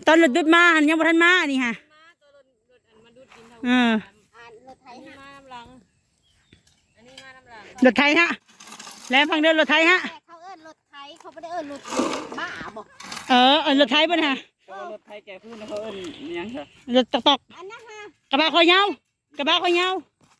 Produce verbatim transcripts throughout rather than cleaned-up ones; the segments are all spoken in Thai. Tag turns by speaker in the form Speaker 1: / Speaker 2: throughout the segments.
Speaker 1: ตอนรถดุดมาหันยังบ่ทันมานี่ฮะเออรถไทยมาน้ำหลังอันนี้มาน้ำหลังรถไทยฮะแล้วฟังเดินรถไทยฮะ
Speaker 2: เขาเอิ้นรถไทยเขาไม่ได้เอิ้นรถบ้าบ่
Speaker 1: เออเอิ้นรถไทยบ่ฮะ
Speaker 3: รถไทยแกพูดนะเขาเอิ้นยังค่ะ
Speaker 1: รถตอกตอก
Speaker 2: อันนั้นฮะ
Speaker 1: กระบะคอยาวกระบะคอยาว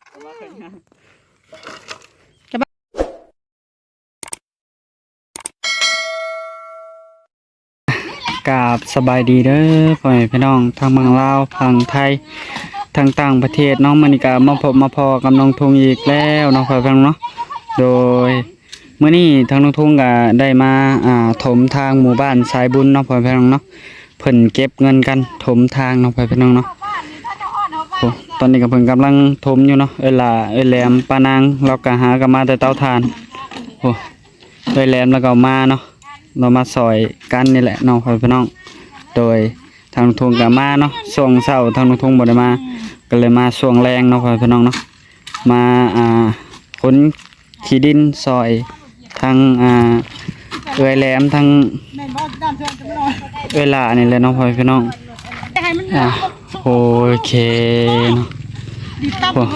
Speaker 3: กราบสบายดีเด้อพ่อแม่พี่น้องทางเมืองลาวทางไทยทางต่างประเทศน้องมณีกามาพบมาพอกับน้องทุ่งอีกแล้วน้องพ่อพี่น้องเนาะโดยเมื่อนี้ทางน้องทุ่งก็ได้มาอ่าถมทางหมู่บ้านสายบุญน้องพ่อพี่น้องเนาะเพิ่นเก็บเงินกันถมทางน้องพ่อพี่น้องเนาะโอ้ตอนนี้ก็เพิ่นกำลังถมอยู่เนาะเอ้ยล่ะเอ้ยแหลมปานางเราก็หากันมาแต่เตาถ่านโอ้เอ้ยแหลมแล้วก็มาเนาะเรามาซอยกันนี่แหละน้องพ่อพี่น้องโดยทางทุ่งก็มาเนาะช่วงเช้าทางทุ่งบ่ได้มาก็เลยมาช่วงแรงเนาะพ่อพี่น้องเนาะมาอ่าขนขี้ดินซอยทางอ่าเอ้ยแหลมทางเอ้ยล่ะนี่แหละน้องพ่อพี่น้องอ่าโอเคเนาะโอ้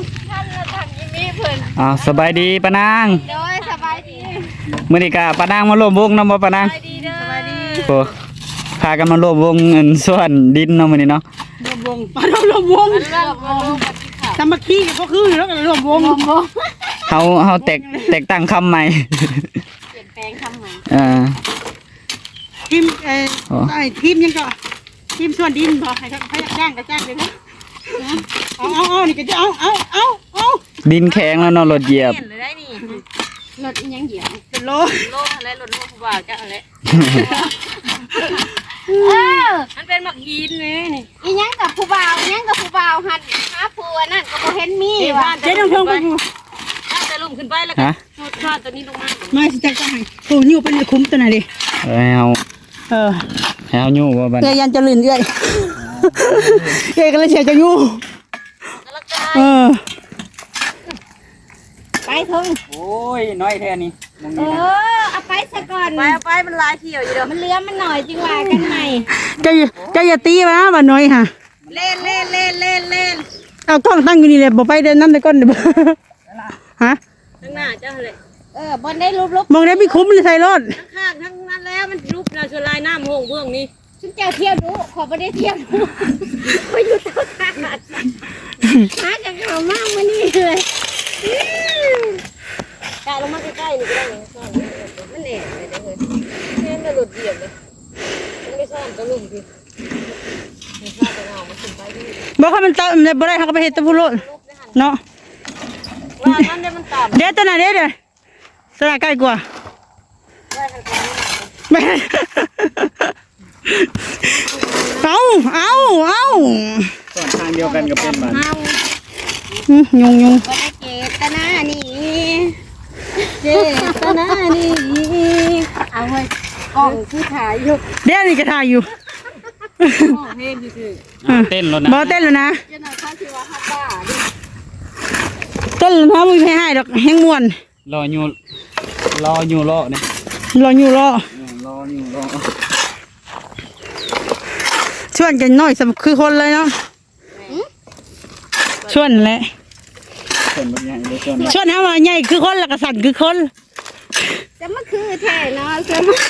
Speaker 3: อ้าวสบายดีปานาง
Speaker 2: โดยสบายดี
Speaker 3: มื้อนี้ก็ปานางมาร่วมวงนำบ่ปานาง
Speaker 2: สบายดีเด้อสบายดี
Speaker 3: โอ้พากันมาร่วมวงเงินส่วนดินเนาะมื้อนี้เนาะ
Speaker 1: รวมวงปารวมวงสามัคคีกันก็คือแล้วก็รวมวง
Speaker 3: เฮาเฮาแตกแตกตั้งคำใหม่
Speaker 2: เปลี่ยนแปลงคำใหม่
Speaker 3: อ่า
Speaker 1: ทีมเอ่อไอ้ทีมยังก็ทีมส่วนดินพอให้เขาอยากจ้างก็จ้างเลยนะเอาเอาเอานี่ก็จะเอาเอาเอาเอา
Speaker 3: ดินแข็งแล้วเนาะรถเหยียบ
Speaker 2: รถยังเหยียบ
Speaker 1: เป็นโล
Speaker 2: โลอะไรรถโลผู้บ่าวจ้าอะไรเออมันเป็นหมักยีนนี่นี่อีหยังกับผู้บ่าวยังกับผู้บ่าวหันหาผัวนั่นก็บ่เห็นมี
Speaker 1: ว่าเจ๊ต้องเพิ่งไป
Speaker 2: จะลุ่มขึ้นไปแล้วก็ชาตัวนี้ลงมา
Speaker 1: ไม่สิจังจังให้โอ้ยูเป็นคุ้มตัวไหนดิ
Speaker 3: เอ้ยเฮา
Speaker 1: เออ
Speaker 3: เฮายูบ่บัด
Speaker 1: เอ้ยยันจะลื่นเอ้ยเอ้ยก็เลยเสียจะยูเออ
Speaker 2: ไปทุ่ง
Speaker 3: โอ้ยน้อยแท้นี่
Speaker 2: เออเอาไปซะก่อน
Speaker 1: ไปเอาไปมันลายเที่ยวอยู่เด้อ
Speaker 2: มันเลื้อมันหน่อยจึงว่ากันใหม่
Speaker 1: จะจะอย่าตีมาบ่น้อยค่ะ
Speaker 2: เล่นเล่นเล่นเล่นเล่น
Speaker 1: เอากล้องตั้งอยู่นี่เลยบ่ไปเดินน้ำในก้นเด้อฮะ
Speaker 2: ข้างหน้าเจ้าเลยเออบนได้รูปรูป
Speaker 1: มองได้ไม่คุ้มเลยใส่รถ
Speaker 2: ข้างทั้งนั้นแล้วมันรูปนาชลายน้ำห้องเบื้องนี้ฉันเจ้าเที่ยวดูขอไม่ได้เที่ยวดูไปอยู่เท่าขาดหาจากเขามากมานี่เลยกะลงมาใกล้ๆนี่ก็ได้เลยซ่อนมันแหน่เลยเด้อเลยแม่มันหลุดเหยียบเลยมันไม่ซ่อนก็ลุ่มดิมันซ่อนแต่เอามาขึ้นไปดิ
Speaker 1: บ่ค่ะมันตามบ่ได้เขาก็ไปเฮ็ดตะพูโลดเนาะ
Speaker 2: ว่ามันได้มันต่ำ
Speaker 1: เดี๋ยวตัวไหนเดี๋ยวเดี๋ยวตัวไหนใกล้กว่าไม่เอาเอาเอา
Speaker 3: ส่วนทางเดียวกันกับเป็นบ้าน
Speaker 1: ยุงยุง
Speaker 2: ก็ได้เจตนานี่เจตนานี่เอาไว้กล้องที่ถ่ายอยู่
Speaker 1: เดี๋ยวนี่ก็ถ่ายอยู่
Speaker 2: เต้นซื่
Speaker 3: อเต้นแล้วนะ
Speaker 1: บ่เต้นแล้วนะ
Speaker 2: เจ้าหน้าที่ชื่อว่าฮับบ้าดิ
Speaker 1: เต้นแล้วนะมึงให้ให้ดอกแห้งม่วน
Speaker 3: รออยู่รออยู่รอเนี่ย
Speaker 1: รออยู่รอ
Speaker 3: รออยู่รอ
Speaker 1: ชวนกันหน่อยสำคือคนเลยเนาะชวนแหละ
Speaker 3: ชวนแบบใหญ่เลยชวน
Speaker 1: ชวนฮะว่าใหญ่คือคนแล้วก็สั่นคือคน
Speaker 2: จะมาคือแท้เนาะจะมา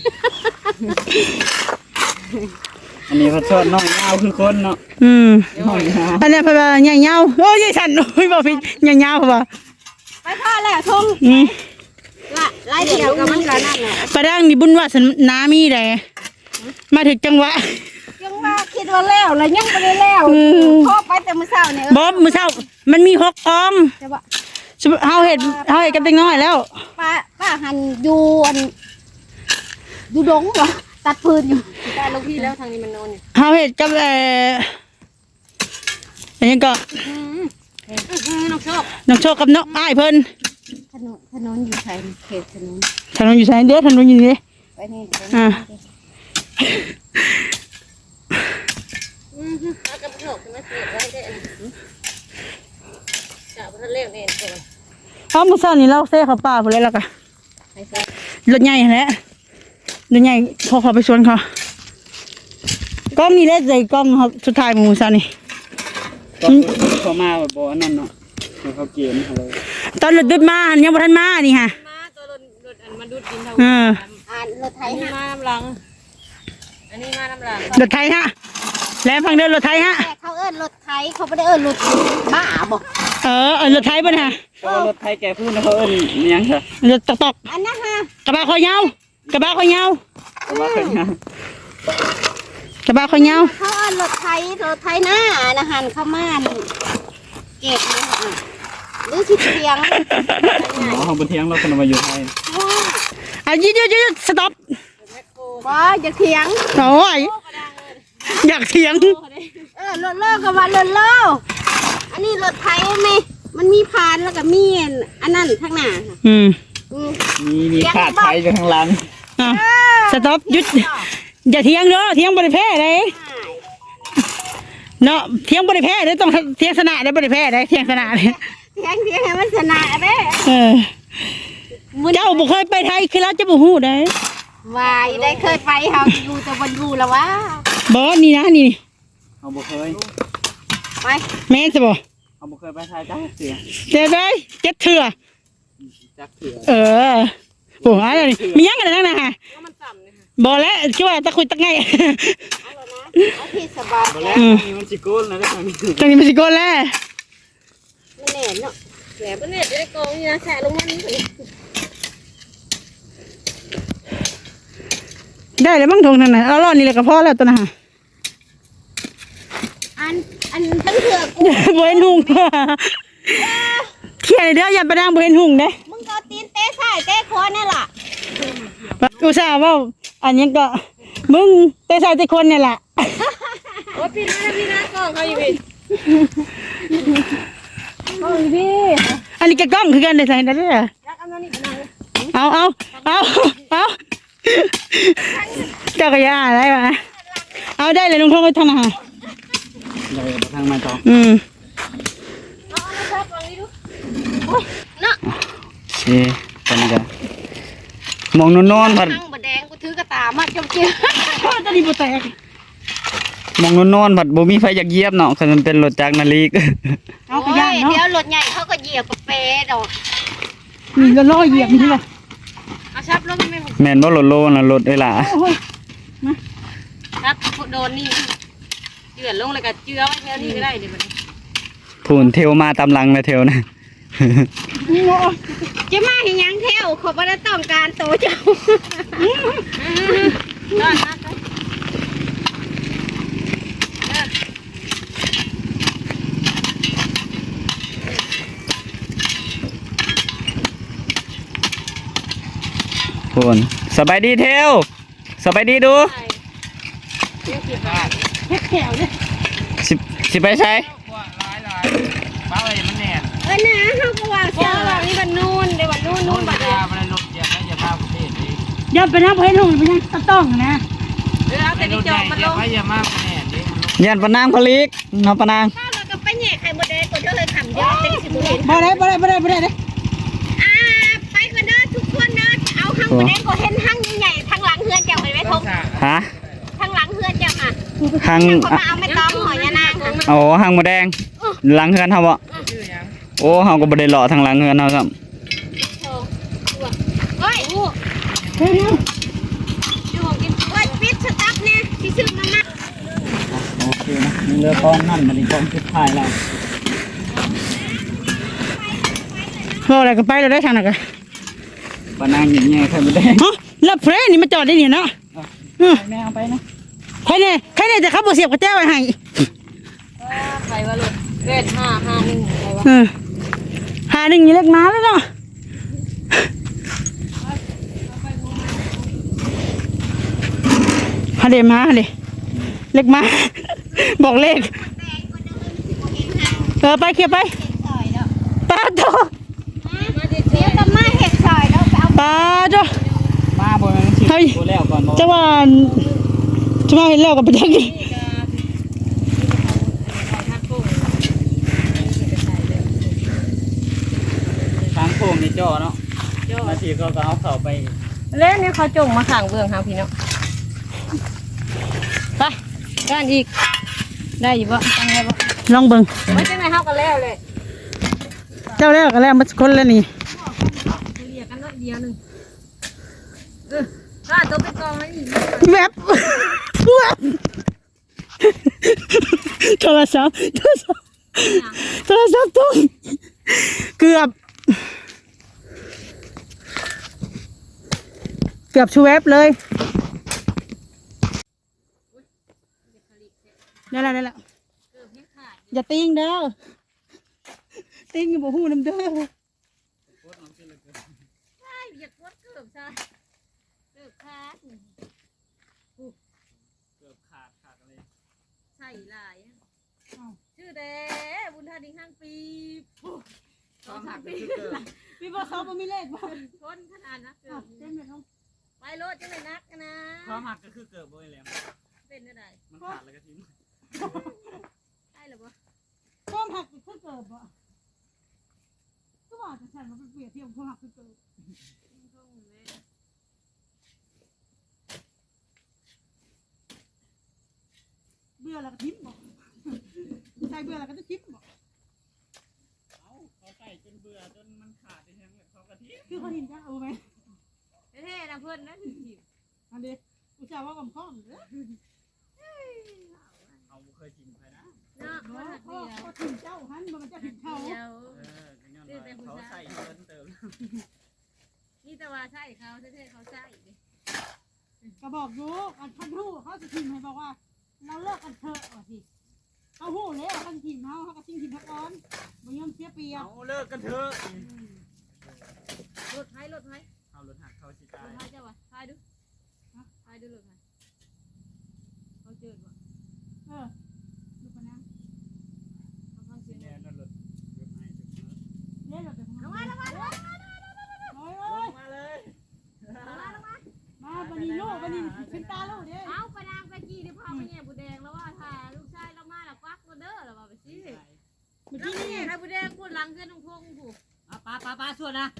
Speaker 3: อันนี้พอชวนน้องยาวคือคนเนาะ
Speaker 1: อืม
Speaker 3: น้องยาว
Speaker 1: อันนี้พอใหญ่ยาวโอ้ยใหญ่สั่นโอ้ยบ่พี่ใหญ่ยาวป่ะ
Speaker 2: ไปพ่อแล้วทุ่งละไล่เดียวกับมันกันนั่นแหละ
Speaker 1: ประดังนี่บุญว่าสนามีได้มาถึงจังหวะ
Speaker 2: ยังว่าคิดว่าแล้วแล้วยังไม่ได้แล้วพ่อไปแต่มื้อเช้าเนี่ย
Speaker 1: บ่มื้อเช้ามันมีหกกองเฮาเฮ็ดเฮาเฮ็ดกับเด็กน้อยแล้ว
Speaker 2: ป้าป้าหันอยู่อันอยู่ดงบ่ตัดพื้นอยู่แต่ลูกพี่แล้วทางนี้มันนอนอยู่
Speaker 1: เฮาเฮ็ดกับเอ่ออันนี้ก็
Speaker 2: น้องโชค
Speaker 1: น้องโชคกับน้องอ้ายเพิ่น
Speaker 2: ถนนถนนอยู่ไสเขตถนน
Speaker 1: ถนนอยู่ไสเด้อถนนอยู่นี่
Speaker 2: ไปนี่
Speaker 1: อ่า
Speaker 2: อือเอากับโชคมาเสียไว้ได้อันนี้จะบ่ทันเลี้ยงเองก่อน
Speaker 1: เฮามื้อเช้านี้เราเซ่เข้าป่าพุ่นแล้วล่ะก็รถใหญ่แหละรถใหญ่พอเขาไปสวนเขากล้องนี่เล่นใส่กล้องครับสุดท้ายหมูซะนี่
Speaker 3: ก็เขามาแบบบ่นั่นเนาะเขาเกมอะไร
Speaker 1: ตอนรถดุดมาอันยังบ่ทันมานี่ฮะ
Speaker 2: มาตัวรถรถอันมาดูดกินเท่า
Speaker 1: เออ
Speaker 2: อ่านรถไถมาน้ำหลังอันนี้มาน้ำหลัง
Speaker 1: รถไทยฮะแล้วฟังเดินรถไทยฮะ
Speaker 2: แต่เขาเอิ้นรถไถเขาไม่ได้เอิ้นรถบ้าบ่
Speaker 1: เออเออรถไทยป่ะฮะ
Speaker 3: ก็รถไทยแกพูดนะเขาเอิ้นยังค่ะ
Speaker 1: รถตอกตอก
Speaker 2: อันนั้นฮะ
Speaker 1: กระบะคอยาวกระบะคอยาว
Speaker 3: ก็ว่าเป็นยัง
Speaker 1: กระบะคอยาว
Speaker 2: เขาเอิ้นรถไถรถไถหน้านะหันเข้ามาเก็บนี่ค่ะหรือสิเสียง
Speaker 3: หมอเขาบนเทียงเราคนมาอยู่ไทย
Speaker 1: อ่ะยืดยืดยืดสต็อป
Speaker 2: บ่จะเถียง
Speaker 1: โอ้ยอยากเถียง
Speaker 2: เออรถโลก็ว่ารถโลอันนี้รถไถไหมมันมีพานแล้วก็มีอันนั้นข้างหน้าค่ะ
Speaker 1: อืม
Speaker 2: อืม
Speaker 3: มีมีขาดไทยอยู่ข้างหลัง
Speaker 1: อ่ะสต็อปหยุดอย่าเถียงเด้อเถียงบริแพ้เลยเนาะเถียงบริแพ้เลยต้องเถียงสนะได้บริแพ้ได้เถียงสนะเลย
Speaker 2: เถียงเถียงให้มันชนะเด้
Speaker 1: เออเจ้าบุเคยไปไทยคือเราจะบุหูได้
Speaker 2: วายได้เคยไปเฮาอยู่แต่บนอยู่แล้ววะ
Speaker 1: บอสนี่นะนี่
Speaker 3: เขาบ่เคย
Speaker 2: ไป
Speaker 1: แม่นจะบอก
Speaker 3: เขาบ่เคยไปไทยจ้าเสือ
Speaker 1: เดี๋ยวได้เจ็ดเถื่อ
Speaker 3: จักเสือ
Speaker 1: เออโอ้ยนี่มียังกันนั่งนะฮะ
Speaker 2: มันต่ำเลยค่ะ
Speaker 1: บอกแล้วคิดว่าตะคุยตะไง
Speaker 2: เอาแล้วนะเอาที่สบาย
Speaker 3: บ่
Speaker 2: แล้
Speaker 3: แล้ว วนี่มันสิโกนแล้วได้ทางนี้
Speaker 1: ตรงนี้มันสิโกนแล้ว
Speaker 2: มันแหน่เนาะแหน่บ่แหน่จะได้กองนี่นะแฉะลงมานี่
Speaker 1: ได้เลยบ้างทงนั่นน่ะเอารอดนี่เลยก็พอแล้วตัวน่ะฮะ
Speaker 2: อันอันตั้งเถื่อกู
Speaker 1: บ่เห็นหุงเขียนเด้ออย่าไปดังบ่เห็นหุงเด้
Speaker 2: มึงก็เอาตีนเตะซ้ายเตะขวานี่ล่ะ
Speaker 1: อุตส่าห์เว่าอันนี้ก็มึงเตะใส่แต่คนเนี่ยล่ะ
Speaker 2: โอ้พี่นะพี่นะกองเขาอยู่พี่
Speaker 1: โอ้ยพี่อันนี้ก็กล้องคือกันได้ใส่ได้เด้อ
Speaker 2: รักอันนั้นนี่เป็นไง
Speaker 1: เอาเอาเอาเอาเจ้าก็ย่าได้ปะเอาได้เลยลุงทงไปทำอาหาร
Speaker 3: เลยทางมาต่อ
Speaker 1: อืม
Speaker 2: เอาอันนั้นครับลองนี้ดูโอ้ยเนาะ
Speaker 3: โอเคตอนนี้ก็มองนอนๆผัด
Speaker 2: ทั้งบดแดงกูถือกระตามาจมเจียว
Speaker 1: ตอนนี้บ่แตก
Speaker 3: มองนอนๆผัดบ่มีไฟอยากเหยียบเนาะคันมันเป็นรถจักรนาฬิก
Speaker 1: เอาไปย่าง
Speaker 2: เดี๋ยว
Speaker 1: เนาะ
Speaker 2: รถใหญ่เขาก็เหยียบกับเปรดอก
Speaker 1: นี่ก็ล่อเหยียบนี่แหละ
Speaker 2: เอาชับลงไม่หมด
Speaker 3: แม่นบ่รถโลน่ะรถเอ้ยล่ะ
Speaker 1: โอ้ย
Speaker 2: ครับโดนนี่เจือนลงเลยก็เจือไว้แถวนี้ก็ได้เดี๋ยวมัน
Speaker 3: พูนเทวมาตามหลังเลยเทวนะ
Speaker 1: นี่โอ้ย
Speaker 2: จะมาเห็นยังเที่ยวเขาไม่ได้ต้องการโตเจ้าต้อนรับ
Speaker 3: พูนสบายดีเทวสบายดีดู
Speaker 2: เดี๋ยวกี่บาท
Speaker 1: เฮ็ดแถวเนี่ย
Speaker 3: สิสิไปใช้
Speaker 4: บ้าอะไรมันแน่น
Speaker 2: เออนะเขาก็ว่าเจ้าแบบนี้วันนู่นเดี๋ยววันนู่นนู่นบัดเดี๋ยว
Speaker 4: มันลดเยอะนะอย่าพาประเทศนี้
Speaker 1: อย่าไปนั่งบ่เห็นหุงไปนั่งต้องนะ
Speaker 2: เดี๋ยวเอาแต่
Speaker 4: ร
Speaker 2: นี่
Speaker 4: ถ
Speaker 2: จ
Speaker 4: ให
Speaker 2: อ
Speaker 4: ญ่
Speaker 2: มมันล
Speaker 4: อย่าง อย่ามาประเทศนี้
Speaker 3: ยันปะนางพลิกน้องปะนาง
Speaker 2: ถ้าเราก็ไปแย่ไข่มดแดงก็จะเลยขำเยอะแต่สิบุเห็น
Speaker 1: บ่ได้บ่ได้บ่ได้บ่ได้เด้
Speaker 2: อ่าไปกันเด้อทุกคนเด้อเอาหั่งมดแดงก็เห็นหั่งใหญ่ๆทางหลังเฮือนเจ้าไปไหมทง
Speaker 3: ฮะ
Speaker 2: ทางหลังเฮือนเจ้าค่ะ
Speaker 3: หัง
Speaker 2: เขามาเอาไม่ต้องหอยยานาง
Speaker 3: โอ้หังหมดแดงหลังเฮือนเฮาบ่โอ้เฮาก็บ่ได้เลาะทางหลังเฮือนเฮาซ้ำ
Speaker 2: เฮ้ย
Speaker 1: เฮ้ยนี่
Speaker 2: ดูของกินเฮ้ยปิดสต๊อปเนี่ยที่ซื้อมามา
Speaker 3: โอเคนะเรือกองนั่นมันอีกกองสุดท้ายแล้ว
Speaker 1: บ่อะไรก็ไปแล้วได้ทางนั้นก็
Speaker 3: ปะนางอย่างเงี้ยใครบ่ได้
Speaker 1: ฮะแล้วเพลนี่มาจอดได้นี่เนาะ
Speaker 3: แม่เอาไปนะ
Speaker 1: ใครเนี่ยใครเนี่ยจะขับบ่เสียบกระแจไว้ให้
Speaker 2: ใครวะลูกเวทห้าห้าหนึ่งใครวะ
Speaker 1: เออหาหนึ่งอยู่เล็กมาแล้วเนาะหาเดมาหาเดเล็กมา บอกเลขเออไปเขียไปป้าโต
Speaker 2: เดี๋ยวจะมาเห็ดซอยแล้วไปเอา
Speaker 1: ป้าโต
Speaker 3: มาบ่แม่นสิตัวแล้วก่อนบ่
Speaker 1: จังหวะจังหวะเห็นแล้วกับไปจักนี่
Speaker 3: ทางโค้งนี่จ่อเนาะนาทีก็เอาเข้าไป
Speaker 2: เล่นเนี่ยเขาจงมาขังเบื้องครับพี่เนาะ
Speaker 1: ไปไป
Speaker 2: ก้านอีกได้อยู่บ่จังไงบ่
Speaker 1: ลองเบิ่ง
Speaker 2: ไม่จังไงเฮากันแล้วเลย
Speaker 1: เจ้าแล้วก็แล้วมาคนแล้วนี่
Speaker 2: เรียกกันน้อยเดียวหนึงเออถ้าตัวไปกองให้อีก
Speaker 1: แวบแวบโทรศัพท์โทรศัพท์โทรศัพท์ตุ้งเกือบเกือบชูแวบเลยได้แล้วได้แล้วอย่าติ้งเด้อติ้งอย่าบอกหูน้ำเด้อ
Speaker 2: ใช่อยากกดเกือบซะเกือบขาด
Speaker 4: เกือบขาดขาดอะไร
Speaker 2: ใส่หลายอะชื่อเด้บุญธาดิงห้างปี
Speaker 4: สองหักก็คือเกิด
Speaker 1: พี่บอกเขาไม่มีเลขบ้าง
Speaker 2: คนขนาดนักเกือบ
Speaker 1: เต้นเลยน้อง
Speaker 2: ไปรถจังเลยนักนะ
Speaker 4: ความหักก็คือเกิดบ่อยแหลม
Speaker 2: เป็นอะไร
Speaker 4: มันขาดแล้วก็ทิ้ง
Speaker 2: ได้หรือเปล่า
Speaker 1: ข้อมหักคือเกิดบ่ก็บอกจะฉันมาเป็นเปรียบเทียบข้อมหักคือเกิดเบื่อแล้วก็ทิ้งบอกใช่เบื่อแล้วก็จะทิ้งบอก
Speaker 4: เอ้าเขาใส่จนเบื่อจนมันขาดไปทั้งเลยเขาก็ทิ้ง
Speaker 1: คือเขาทิ้งจ้าเอาไหม
Speaker 2: เท่ๆนะเพื่อนนะถึงจีบ
Speaker 1: อันเดียวอุตส่าห์ว่ากับข้อมเด้อ
Speaker 4: เอาบ่เคยจิ้มใครนะ
Speaker 2: เนาะ
Speaker 1: เขา
Speaker 2: คนหัก
Speaker 1: เขา
Speaker 2: เดียว
Speaker 1: เขาทิ้งเจ้าหันมันจะทิ้งเขา
Speaker 2: เดียว
Speaker 4: เออก็ย้อนว่าเขาใส่เพิ่นเติม
Speaker 2: นี่แต่ว่าใช่เขาเท่ๆเขาใช่ดิ
Speaker 1: ก็บอกอยู่อันพันหูเขาจะทิ้งให้บอกว่า เราเลิกกันเถอะว่าสิเขาหูแล้วเขาทิ้งเขาเขาก็ทิ้งทิ้งเขาก่อนบ่ยอมเสียเปรียบ
Speaker 4: เอาเลิกกันเถอะ
Speaker 2: รถไทยรถไทย
Speaker 4: เอารถหักเขาสิ
Speaker 2: ร
Speaker 4: ตาย
Speaker 2: ถไทยเจ้าวะทายดูทายดูรถไทยเขาเจอวะ
Speaker 1: เออดูปะนะ
Speaker 2: เขาฟังเสียง
Speaker 4: แน่นั่นรถรถให้ถึง
Speaker 1: เล่นเราไปทำ
Speaker 2: ลง
Speaker 1: ไม
Speaker 2: มาลงมาลงมา
Speaker 1: โอ้ย
Speaker 4: ล
Speaker 1: โอ้ย
Speaker 4: งมาเลย
Speaker 2: ลงมาลงมา
Speaker 1: มาบันนี้ลูกบันนี้เป็นตาลูกเด้
Speaker 2: เอาไปนางไปกี้ที่พ่อไปแง่บุแดงแล้วว่าถ้าลูกชายเรามาแล้วควักก็เด้อแล้วว่าไปสิ
Speaker 1: เมื่อ
Speaker 2: แล้ว
Speaker 1: กี้
Speaker 2: นี่
Speaker 1: นี่
Speaker 2: ใครบุแดงพูดหลังเกินตรงพงผูก
Speaker 4: อ่ะป้าป้าป้าส่วนนะ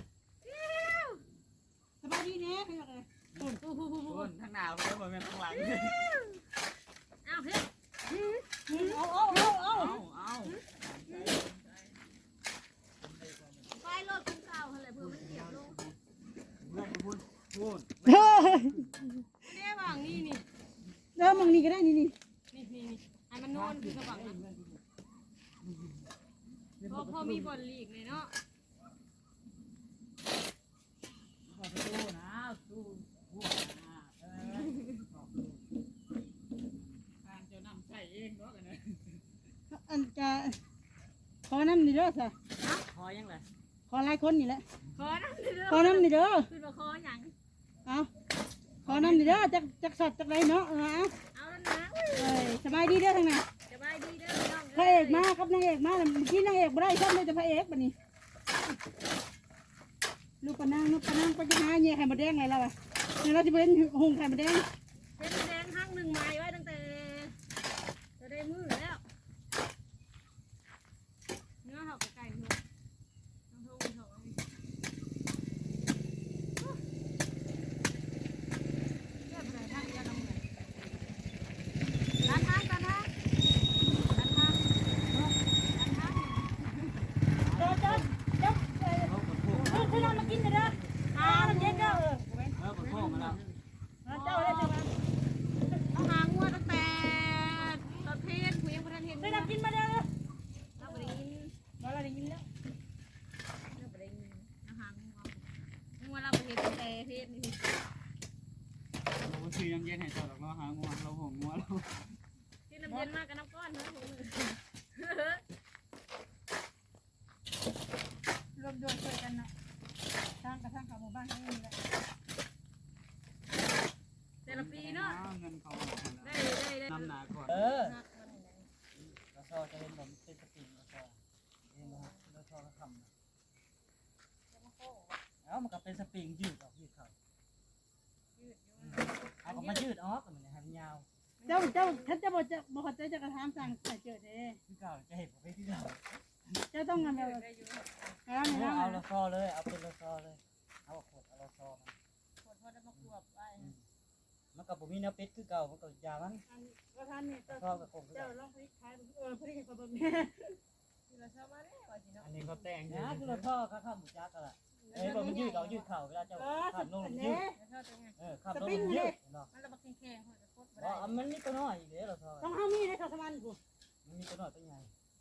Speaker 1: สบายดีเนี่ยเขาอยากเลย
Speaker 2: ผูกผูกผูกผู
Speaker 4: ส่วน
Speaker 2: ก
Speaker 4: ทางหน้าเพิ่นบ่แม่นทางหลัง
Speaker 2: เอาเฮ้ย
Speaker 1: เอาเอาเอาเอา
Speaker 4: เอาเอา
Speaker 2: ไปรถคุณเก่าอะไรเพื่อมันเสียบลง
Speaker 4: เพื่อนพูดพูด
Speaker 1: เฮ้ย
Speaker 2: ไม่ได้วางนี่นี่
Speaker 1: เริ่มมังนี่ก็ได้นี่นี่
Speaker 2: นี่นี่นี่ให้มันนอนคือกระบังนะพอพอมีบอลลีกเลยเนาะ
Speaker 4: ขอสู้นะสู้พูดนะเออทางเจ้านำใส่เองเนาะกันนะ
Speaker 1: อันจะขอน้ำนี่เด้อสิ
Speaker 4: พอยังไง
Speaker 1: ขอหลายคนนี่แหละ
Speaker 2: ขอน้ำเด้อ
Speaker 1: ขอน้ำนี่เด้อ
Speaker 2: คือมาขออย่าง
Speaker 1: เอาขอน้ำนี่เด้อจักจักสดจักไรเนาะเอา
Speaker 2: เอาแล้วนะ
Speaker 1: เอ้ยสบายดีเด้อทางนั้น
Speaker 2: สบายดีเด้อน้อง
Speaker 1: พระเอกมาครับนางเอกมาเมื่อกี้นางเอกบ่ได้ชอบเลยแต่พระเอกบัดนี้ลูกปะนางลูกปะนางก็จะหาแย่ไข่มดแดงไงเราอ่ะเนี่ยเราจะเป็นหุงไข่มดแดง
Speaker 2: เส้นแดงห้างหนึ่งไม้ไว้ตั้งแต่จะได้มือแล้วเนื้อเขาไก่เนื้อต้องโทรโทรเรียบร้อยท่านยาดมเลยร้านทางร้านทางร้านทางร้านทาง
Speaker 1: เจ้าเจ้าเจ้าเออ
Speaker 4: เขากับพวก
Speaker 1: เออคือเรามากินเด้ออ่าน้ำเย็นเด้อเออ
Speaker 4: เออกับพวกมาแล้ว
Speaker 1: เจ้าได้เจ้ามา
Speaker 2: เอาหางงัวตั้งแต่ตอนเพลนผู้ยังประทานเห็น
Speaker 1: ได้น้ำกินมาเด้อ
Speaker 2: เราบริยิน
Speaker 1: มาเราได้ยินแล้ว
Speaker 2: เราบริยินเอาหางงัวงัวเราบริเห็นแต่เพลนนี่
Speaker 4: เราซื้อยังเย็นให้เจ้าดอกเราหางัวเราห่วงงัวเรา
Speaker 2: ที่น้ำเย็นมากกับน้ำก้อนเนาะ
Speaker 1: รวมโยนช่วยกันนะทางกระทั่งกับหมู่บ้านนี่แหละ
Speaker 2: แต่ละปีเนาะ
Speaker 4: เงินเขา
Speaker 2: ได้ได้ได้
Speaker 4: นำหนาก่อนเออแล้วก็จะเห็นผมเป็นสปริงแล้วก็เห็นนะแล้วก็ทำแล้วมันก็เป็นสปริงยืดออกยืดเขาเอาก็มายืดออกมันเนี่ยให้มันยาว
Speaker 1: เจ้าเจ้าท่านเจ้าบอกจะบอกเขาจะกระทำสั่งใส่เจอเด้
Speaker 4: ที่เก่าจะเห็นผมไปที่เก่า
Speaker 1: เจ้าต้องงานแบบ
Speaker 2: ได้อยู่
Speaker 1: เอา
Speaker 4: เอา
Speaker 1: เอา
Speaker 4: เอาละซอเลยเอาเป็นละซอเลยเอาขวดเอาละซอ
Speaker 2: ขวดพอได้มาขวบไว้
Speaker 4: มันก็บ่มีแนวปิดคือเก่ามันก็ยามัน
Speaker 1: อันว่าท่านนี่
Speaker 4: ท่อกับคงคือ
Speaker 1: เจ้า
Speaker 4: เก่า
Speaker 1: ลองพลิกขายเออพลิกให้เขาเบิ่งแน่
Speaker 2: ที่เราชอบมาได้ว่าสิเนาะ
Speaker 3: อันนี้เขาแต่ง
Speaker 4: นะคือเราท่อเขาเข้าหมูจักกันล่ะเอ้ยบ่มันยืดเอายืดเข่าเวลาเจ้า
Speaker 1: เออ
Speaker 4: ขับลง
Speaker 1: อัน
Speaker 4: ยื
Speaker 1: นี้
Speaker 4: ด
Speaker 2: เราชอบตรงนี้
Speaker 4: เออขับลงยืดเนาะ
Speaker 2: มันระบักแข็งๆคนจะโคตรบ่
Speaker 4: อ๋
Speaker 2: ได้
Speaker 4: อมันมีตัวน้อยอีกเด้อเราท่อ
Speaker 1: ต้องเอามีดให้เขาสมันกู
Speaker 4: มันมีตัวน้อยตัวใหญ่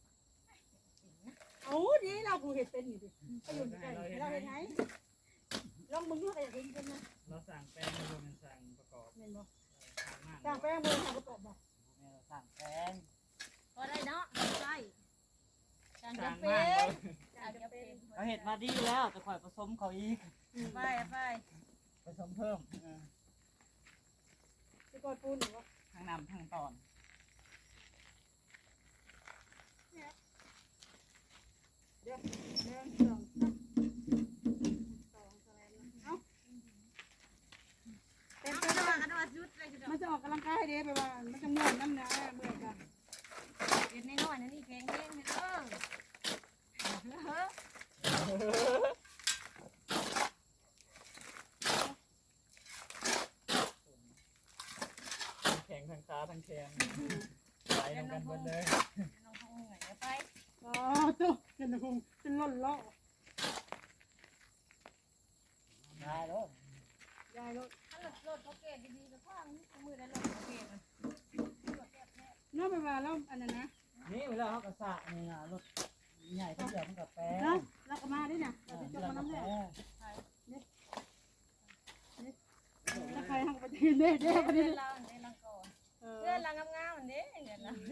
Speaker 1: เอาดีเรากูเห็ดเป็นอยู่ดิไปอยู่ใกล้เราเห็นไหมลองมึงดูใครอยากเห็นเป็นไหม
Speaker 3: เราสั่งแป้งมาดูมันสั่งประกอบ
Speaker 1: เห็นบ่
Speaker 3: ทางมาก
Speaker 1: จ้างแป้งมือหาประกอบบ่
Speaker 4: แม่เราสั่งแพง
Speaker 2: ก็ได้เนาะใช่จาน
Speaker 3: สั่
Speaker 2: จะ
Speaker 3: ง
Speaker 2: เป็
Speaker 3: มาก
Speaker 2: น
Speaker 3: เลย
Speaker 2: จานจะเป็น
Speaker 4: เขาเห็ดมาดีแล้วจะค่อยผสมเขาอีก
Speaker 2: ไปไป
Speaker 4: ผสมเพิ่มเออ
Speaker 1: จะกอดปูนหรือวะ
Speaker 4: ทั้งนำทั้งตอน
Speaker 1: เดี๋ยวเดี๋ยวสองสองสแลนเอ้าเต็ม
Speaker 2: เอา
Speaker 1: เต็ม
Speaker 2: กระดาษกระดาษยุดเลยกระดา
Speaker 1: มันจะออกกำลังกายเด้ไปว่ามันจะม่วนน้ำนะเมื่อยกัน
Speaker 2: เด็ดน้อยๆนั่นนี่แข็งแรงเออ
Speaker 3: แข็งทั้งขาทั้งแขนไหลลงกันหมดเลย
Speaker 2: ลองทำเหนื่อยไป
Speaker 1: อ๋อตุ๊กเป็นคงเป็นล่นล่อ
Speaker 4: ได้แล้ว
Speaker 1: ยายรถ
Speaker 2: ถ้ารถรถเขาเกตดีๆก็ข้างมือได้รถเขาเกต
Speaker 1: เนาะไปว่าแล้วอันนั้นนะ
Speaker 4: นี่เวลาเขากระสะนี่นะรถใหญ่เขาเดือดมันกับแป้ง
Speaker 1: เนาะแล้วก็มาด้วยนะ
Speaker 4: เอ
Speaker 1: เรา
Speaker 4: อ
Speaker 1: จะจ
Speaker 4: เดื
Speaker 1: บ
Speaker 4: อด
Speaker 1: มา
Speaker 4: กับ
Speaker 1: น้ำ
Speaker 4: แป้
Speaker 1: เนี่ย
Speaker 4: ง
Speaker 1: แล้วใครทำไปทีเด้เด้ไป
Speaker 2: เพื่
Speaker 1: ดิ
Speaker 2: อนเราเนี่ยลังก่อน
Speaker 1: เอ
Speaker 2: เพื่อน
Speaker 1: อ
Speaker 2: เรางามๆเนี่ยเดี๋ยวเรา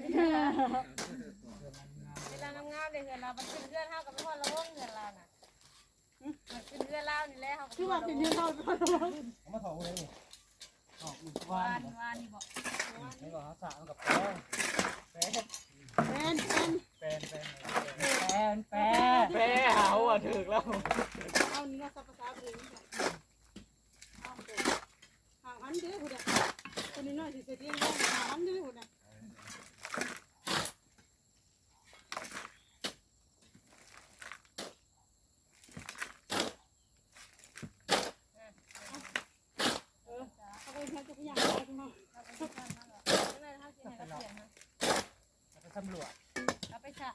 Speaker 2: เวลางามๆเลยเพื่อนเรามันขึ้นเพื่อนเท่ากับพ่อเราว่องเพื่อนเราน่ะมันขึ้นเพื่อนเรานี่แหละเขา
Speaker 1: คือว่าเป็นเรื่องเข้าไปก่อน
Speaker 4: เขามาถอดเลยถอดมือ
Speaker 2: วาว
Speaker 4: าน
Speaker 2: นวานนี่บอก
Speaker 4: ไม่บอกเขาสะมันกับแป้งแป้ง
Speaker 1: เป็นเป็น
Speaker 3: แป้งแป้ง
Speaker 4: แป้งแป้ง
Speaker 3: แป้งเอาอ่ะถึกแล้ว
Speaker 1: เอานี่นะสับภาษาไปเลยเอาเด็กห่างอันเด้อคุณอ่ะคนนี้น้อยสิเสียเที่ยงห่างอันเด้อคุณอ่ะ เออเขาไปแค่ตัวอย่างอะไรกันมา
Speaker 2: เราไปที่บ้านมาหรอกไม่ได้เท่าที่ไหนก็เปลี่ยนนะ
Speaker 4: ไปสำรวจ
Speaker 2: เราไปฉะ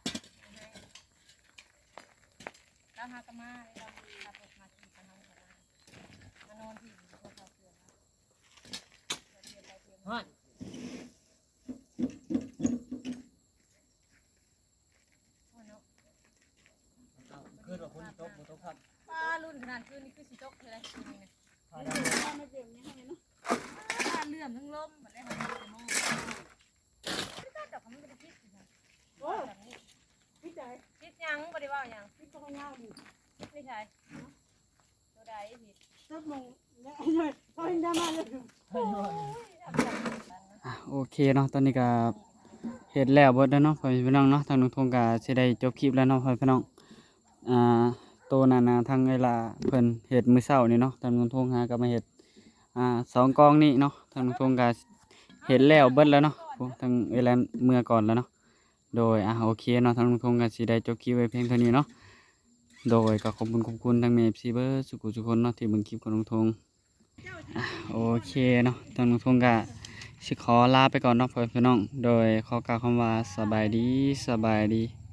Speaker 2: เราหากมาเราขับรถมาขี่กันน้องกันมานอนที่เขาเขาเปลี่ยนแล้วเปลี่ยนไปเปลี่ยน
Speaker 4: ฮะ
Speaker 2: มาเนาะ
Speaker 4: ขึ้นว่าคนตกบนตกครับ
Speaker 2: ป้ารุ่นขนาดคืนนี้คือสิโต๊ะคืออะไรคืนนี้นะ
Speaker 4: พา
Speaker 1: ไม่
Speaker 4: ด
Speaker 1: เปลี่ยนไม่เปลี่ยนยังไงเนาะ
Speaker 2: ป้าเลื่อมทั้งลมเหมือนได้ทำเป็นโม่ไม่ได้ดอกเขาไม่ได้คิดนะ
Speaker 1: โอ้
Speaker 2: แบบนี้
Speaker 1: พี่ใจ
Speaker 2: คิดยังบริวารยัง
Speaker 1: พี่ต้องเงาดิ
Speaker 2: คิดไม่ใช่ตัวใดผิด
Speaker 1: ตึ๊บมงเนี่ยหน่อยพอเห็นได้มาเลย
Speaker 2: โอ้ยทำแบบนี้กันนะ
Speaker 3: อ่ะโอเคเนาะตอนนี้ก็เฮ็ดแล้วเบิดแล้วเนาะพ่อพี่น้องเนาะทางลุงทงก็สิได้จบคลิปแล้วเนาะพ่อพี่น้องอ่าโตนั่นน่ะทางเวลาเพิ่นเฮ็ดมื้อเช้านี่เนาะทางลุงทงหาก็มาเฮ็ดอ่าสองกองนี่เนาะทางลุงทงก็เฮ็ดแล้วเบิดแล้วเนาะโอ้ทางเวลาเมื่อก่อนแล้วเนาะโดยอ่ะโอเคเนาะทางลุงทงก็สิได้จบคลิปไว้เพียงเท่านี้เนาะโดยก็ขอบคุณขอบคุณทางเมฟซีเบอร์สุขุทุกคนเนาะที่เบิ่งคลิปของลุงทงอ่ะโอเคเนาะทางลุงทงก็สิขอลาไปก่อนเนาะพ่อพี่น้องโดยขอกล่าวคำว่าสบายดีสบายดี